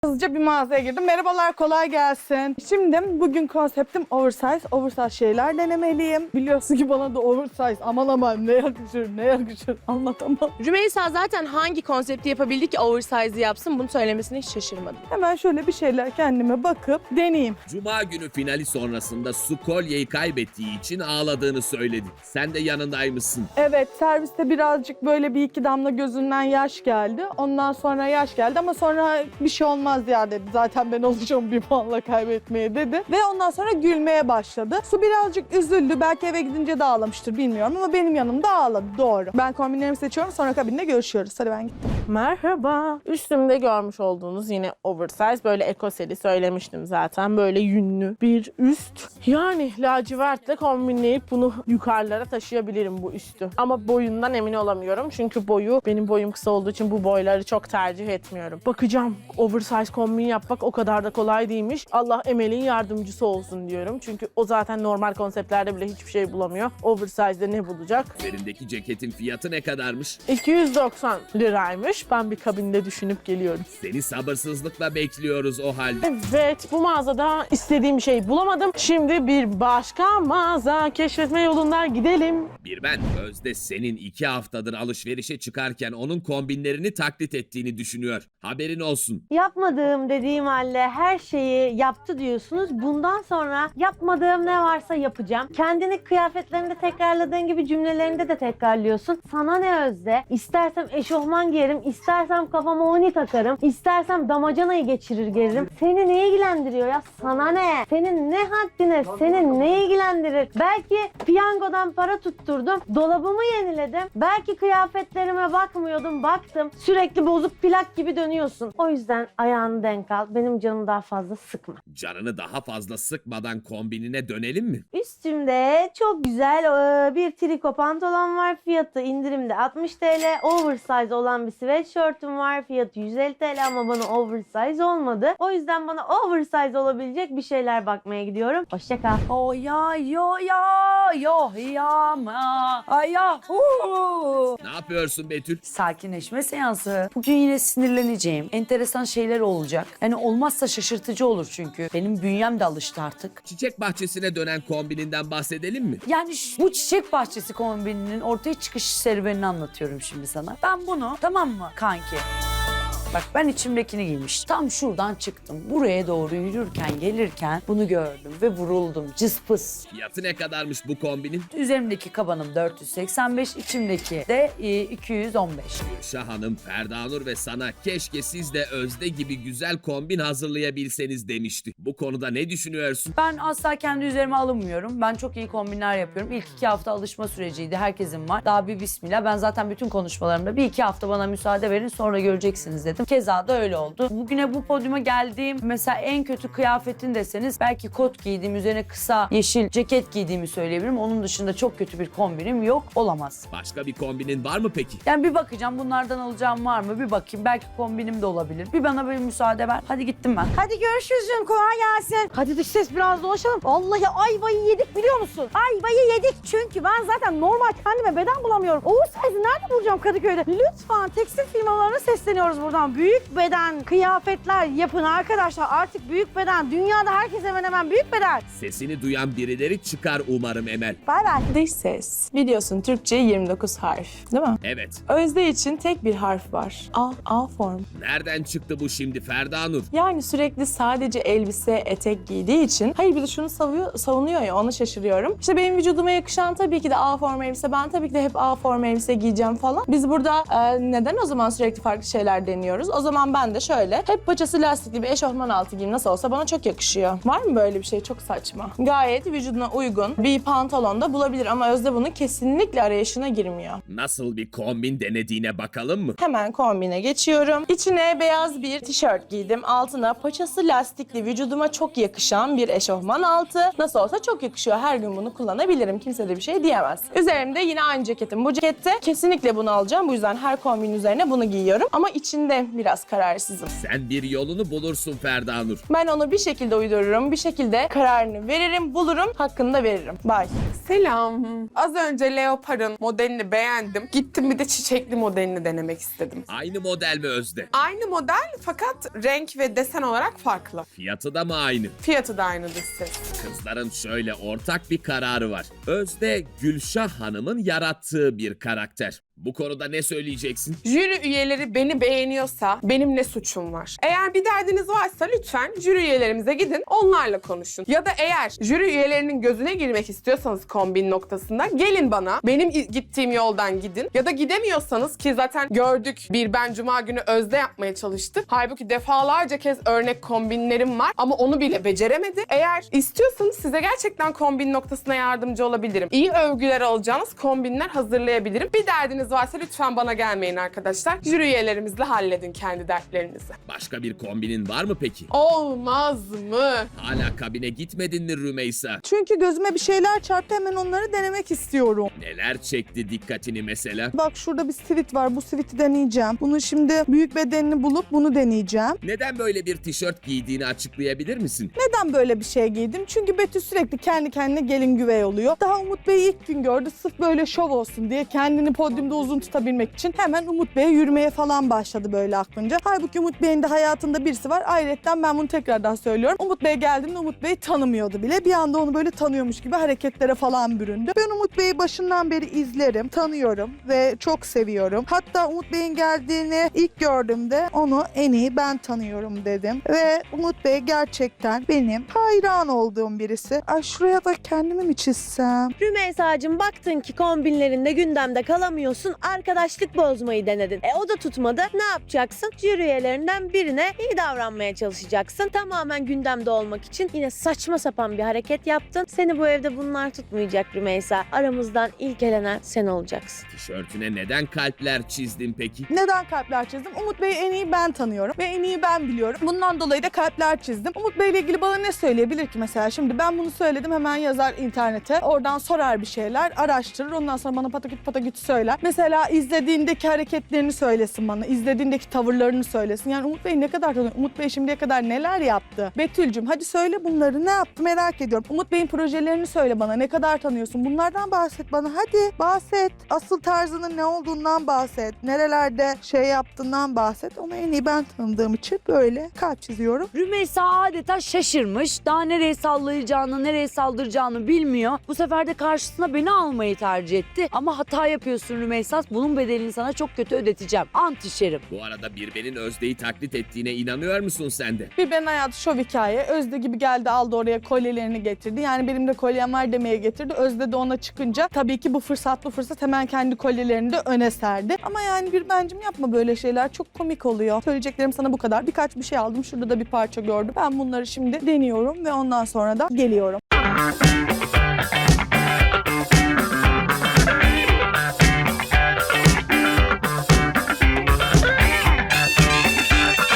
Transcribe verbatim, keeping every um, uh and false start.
Hızlıca bir mağazaya girdim. Merhabalar, kolay gelsin. Şimdi bugün konseptim oversize. Oversize şeyler denemeliyim. Biliyorsun ki bana da oversize aman aman ne yakışır ne yakışır anlatamam. Rümeysa zaten hangi konsepti yapabildi ki oversize'ı yapsın, bunu söylemesine hiç şaşırmadım. Hemen şöyle bir şeyler kendime bakıp deneyeyim. Cuma günü finali sonrasında su kolyeyi kaybettiği için ağladığını söyledi. Sen de yanındaymışsın. Evet, serviste birazcık böyle bir iki damla gözünden yaş geldi. Ondan sonra yaş geldi ama sonra bir şey olmaz ya dedi. Zaten ben olacağım bir puanla kaybetmeye dedi. Ve ondan sonra gülmeye başladı. Su birazcık üzüldü. Belki eve gidince de ağlamıştır bilmiyorum ama benim yanımda ağladı. Doğru. Ben kombinlerimi seçiyorum, sonra kabinde görüşüyoruz. Hadi ben gittim. Merhaba. Üstümde görmüş olduğunuz yine oversize, böyle ekoseli söylemiştim zaten. Böyle yünlü bir üst. Yani lacivertle kombinleyip bunu yukarılara taşıyabilirim bu üstü. Ama boyundan emin olamıyorum. Çünkü boyu, benim boyum kısa olduğu için bu boyları çok tercih etmiyorum. Bakacağım. Oversize kombin yapmak o kadar da kolay değilmiş. Allah Emel'in yardımcısı olsun diyorum. Çünkü o zaten normal konseptlerde bile hiçbir şey bulamıyor. Oversize'de ne bulacak? Üzerindeki ceketin fiyatı ne kadarmış? iki yüz doksan liraymış. Ben bir kabinde düşünüp geliyorum. Seni sabırsızlıkla bekliyoruz o halde. Evet, bu mağazada istediğim şeyi bulamadım. Şimdi bir başka mağaza keşfetme yolunda gidelim. Bir ben, Özde senin iki haftadır alışverişe çıkarken onun kombinlerini taklit ettiğini düşünüyor. Haberin olsun. Yapmadığım dediğim halde her şeyi yaptı diyorsunuz. Bundan sonra yapmadığım ne varsa yapacağım. Kendini kıyafetlerinde tekrarladığın gibi cümlelerinde de tekrarlıyorsun. Sana ne Özde? İstersem eşofman giyerim, istersem kafama oni takarım, istersem damacanayı geçirir gelirim. Seni ne ilgilendiriyor ya? Sana ne? Senin ne haddine? Seni ne ilgilendirir? Belki piyangodan para tutturdum, dolabımı yeniledim. Belki kıyafetlerime bakmıyordum, baktım. Sürekli bozuk plak gibi dönüyorsun. O yüzden ayağını denk al. Benim canımı daha fazla sıkma. Canını daha fazla sıkmadan kombinine dönelim mi? Üstümde çok güzel e, bir triko pantolon var. Fiyatı indirimde altmış TL. Oversize olan bir sweatshirt'üm var. Fiyatı yüz elli TL ama bana oversize olmadı. O yüzden bana oversize olabilecek bir şeyler bakmaya gidiyorum. Hoşça kal. O ya yo ya yo ya ma ay ya hu. Ne yapıyorsun Betül? Sakinleşme seansı. Bugün yine sinirleneceğim. Enteresan şeyler olacak. Yani olmazsa şaşırtıcı olur çünkü. Benim bünyem de alıştı artık. Çiçek bahçesine dönen kombininden bahsedelim mi? Yani şu- bu çiçek bahçesi kombininin ortaya çıkış serüvenini anlatıyorum şimdi sana. Ben bunu, tamam mı kanki? Bak ben içimdekini giymiştim. Tam şuradan çıktım. Buraya doğru yürürken gelirken bunu gördüm ve vuruldum. Cıspıs. Fiyatı ne kadarmış bu kombinin? Üzerimdeki kabanım dört yüz seksen beş, içimdeki de e, iki yüz on beş. Gülşah Hanım, Ferda Nur ve sana keşke siz de Özde gibi güzel kombin hazırlayabilseniz demişti. Bu konuda ne düşünüyorsun? Ben asla kendi üzerime alınmıyorum. Ben çok iyi kombinler yapıyorum. İlk iki hafta alışma süreciydi. Herkesin var. Daha bir bismillah. Ben zaten bütün konuşmalarımda bir iki hafta bana müsaade verin sonra göreceksiniz dedim. Keza da öyle oldu. Bugüne bu podyuma geldiğim mesela en kötü kıyafetin deseniz belki kot giydiğim, üzerine kısa yeşil ceket giydiğimi söyleyebilirim. Onun dışında çok kötü bir kombinim yok. Olamaz. Başka bir kombinin var mı peki? Yani bir bakacağım bunlardan alacağım var mı? Bir bakayım. Belki kombinim de olabilir. Bir bana bir müsaade ver. Hadi gittim ben. Hadi görüşürüz canım. Kolay gelsin. Hadi dış ses biraz dolaşalım. Vallahi ayvayı yedik biliyor musun? Ayvayı yedik çünkü ben zaten normal kendime beden bulamıyorum. Oversize'ı nerede bulacağım Kadıköy'de? Lütfen tekstil firmalarına sesleniyoruz buradan. Büyük beden kıyafetler yapın arkadaşlar. Artık büyük beden. Dünyada herkes hemen hemen büyük beden. Sesini duyan birileri çıkar umarım Emel. Bay bay. Dış ses. Biliyorsun Türkçe yirmi dokuz harf, değil mi? Evet. Özde için tek bir harf var. A, A form. Nereden çıktı bu şimdi Ferda Nur? Yani sürekli sadece elbise, etek giydiği için. Hayır bir de şunu savuyor, savunuyor ya, ona şaşırıyorum. İşte benim vücuduma yakışan tabii ki de A form elbise. Ben tabii ki de hep A form elbise giyeceğim falan. Biz burada e, neden o zaman sürekli farklı şeyler deniyoruz? O zaman ben de şöyle hep paçası lastikli bir eşofman altı giyeyim, nasıl olsa bana çok yakışıyor. Var mı böyle bir şey? Çok saçma. Gayet vücuduna uygun bir pantolon da bulabilir ama Özde bunun kesinlikle arayışına girmiyor. Nasıl bir kombin denediğine bakalım mı? Hemen kombine geçiyorum. İçine beyaz bir tişört giydim. Altına paçası lastikli, vücuduma çok yakışan bir eşofman altı. Nasıl olsa çok yakışıyor. Her gün bunu kullanabilirim. Kimse de bir şey diyemez. Üzerimde yine aynı ceketim. Bu cekette kesinlikle bunu alacağım. Bu yüzden her kombin üzerine bunu giyiyorum. Ama içinde biraz kararsızım. Sen bir yolunu bulursun Ferda Nur. Ben onu bir şekilde uydururum, bir şekilde kararını veririm, bulurum, hakkını da veririm. Bye. Selam. Az önce Leopard'ın modelini beğendim. Gittim bir de çiçekli modelini denemek istedim. Aynı model mi Özde? Aynı model fakat renk ve desen olarak farklı. Fiyatı da mı aynı? Fiyatı da aynı dış ses. Kızların şöyle ortak bir kararı var. Özde Gülşah Hanım'ın yarattığı bir karakter. Bu konuda ne söyleyeceksin? Jüri üyeleri beni beğeniyorsa benim ne suçum var? Eğer bir derdiniz varsa lütfen jüri üyelerimize gidin, onlarla konuşun. Ya da eğer jüri üyelerinin gözüne girmek istiyorsanız kombin noktasında gelin bana, benim gittiğim yoldan gidin. Ya da gidemiyorsanız, ki zaten gördük, bir ben cuma günü Özde yapmaya çalıştım. Halbuki defalarca kez örnek kombinlerim var ama onu bile beceremedi. Eğer istiyorsanız size gerçekten kombin noktasına yardımcı olabilirim. İyi övgüler alacağınız kombinler hazırlayabilirim. Bir derdiniz varsa lütfen bana gelmeyin arkadaşlar. Jüri üyelerimizle halledin kendi dertlerinizi. Başka bir kombinin var mı peki? Olmaz mı? Hala kabine gitmedin mi Rümeysa? Çünkü gözüme bir şeyler çarptı, hemen onları denemek istiyorum. Neler çekti dikkatini mesela? Bak şurada bir sivit var, bu siviti deneyeceğim. Bunu şimdi büyük bedenini bulup bunu deneyeceğim. Neden böyle bir tişört giydiğini açıklayabilir misin? Neden böyle bir şey giydim? Çünkü Betül sürekli kendi kendine gelin güvey oluyor. Daha Umut Bey'i ilk gün gördü, sırf böyle şov olsun diye kendini podyumda uzun tutabilmek için hemen Umut Bey'e yürümeye falan başladı böyle aklınca. Halbuki Umut Bey'in de hayatında birisi var. Ayrıca ben bunu tekrardan söylüyorum. Umut Bey geldiğinde Umut Bey tanımıyordu bile. Bir anda onu böyle tanıyormuş gibi hareketlere falan büründü. Ben Umut Bey'i başından beri izlerim, tanıyorum ve çok seviyorum. Hatta Umut Bey'in geldiğini ilk gördüğümde onu en iyi ben tanıyorum dedim. Ve Umut Bey gerçekten benim hayran olduğum birisi. Ay şuraya da kendimi mi çizsem? Rümeysa'cığım, baktın ki kombinlerinde gündemde kalamıyorsun, arkadaşlık bozmayı denedin. E o da tutmadı. Ne yapacaksın? Jüri üyelerinden birine iyi davranmaya çalışacaksın. Tamamen gündemde olmak için yine saçma sapan bir hareket yaptın. Seni bu evde bunlar tutmayacak Rümeysa. Aramızdan ilk elenen sen olacaksın. Tişörtüne neden kalpler çizdin peki? Neden kalpler çizdim? Umut Bey'i en iyi ben tanıyorum ve en iyi ben biliyorum. Bundan dolayı da kalpler çizdim. Umut Bey'le ilgili bana ne söyleyebilir ki mesela? Şimdi ben bunu söyledim, hemen yazar internete. Oradan sorar bir şeyler, araştırır. Ondan sonra bana pataküt pataküt söyler. Mesela izlediğindeki hareketlerini söylesin bana. İzlediğindeki tavırlarını söylesin. Yani Umut Bey ne kadar tanıyor? Umut Bey şimdiye kadar neler yaptı? Betül'cüm hadi söyle bunları. Ne yaptı merak ediyorum. Umut Bey'in projelerini söyle bana. Ne kadar tanıyorsun? Bunlardan bahset bana. Hadi bahset. Asıl tarzının ne olduğundan bahset. Nerelerde şey yaptığından bahset. Onu en iyi ben tanıdığım için böyle kalp çiziyorum. Rümeysa adeta şaşırmış. Daha nereye sallayacağını, nereye saldıracağını bilmiyor. Bu sefer de karşısına beni almayı tercih etti. Ama hata yapıyorsun Rümeysa. Bunun bedelini sana çok kötü ödeteceğim. Ant içerim. Bu arada Birben'in Özde'yi taklit ettiğine inanıyor musun sen de? Bir ben hayatı şov hikaye. Özde gibi geldi, aldı oraya kolyelerini getirdi. Yani benim de kolyem var demeye getirdi. Özde de ona çıkınca tabii ki bu fırsat bu fırsat hemen kendi kolyelerini de öne serdi. Ama yani bir bencim yapma böyle şeyler. Çok komik oluyor. Söyleyeceklerim sana bu kadar. Birkaç bir şey aldım. Şurada da bir parça gördüm. Ben bunları şimdi deniyorum ve ondan sonra da geliyorum.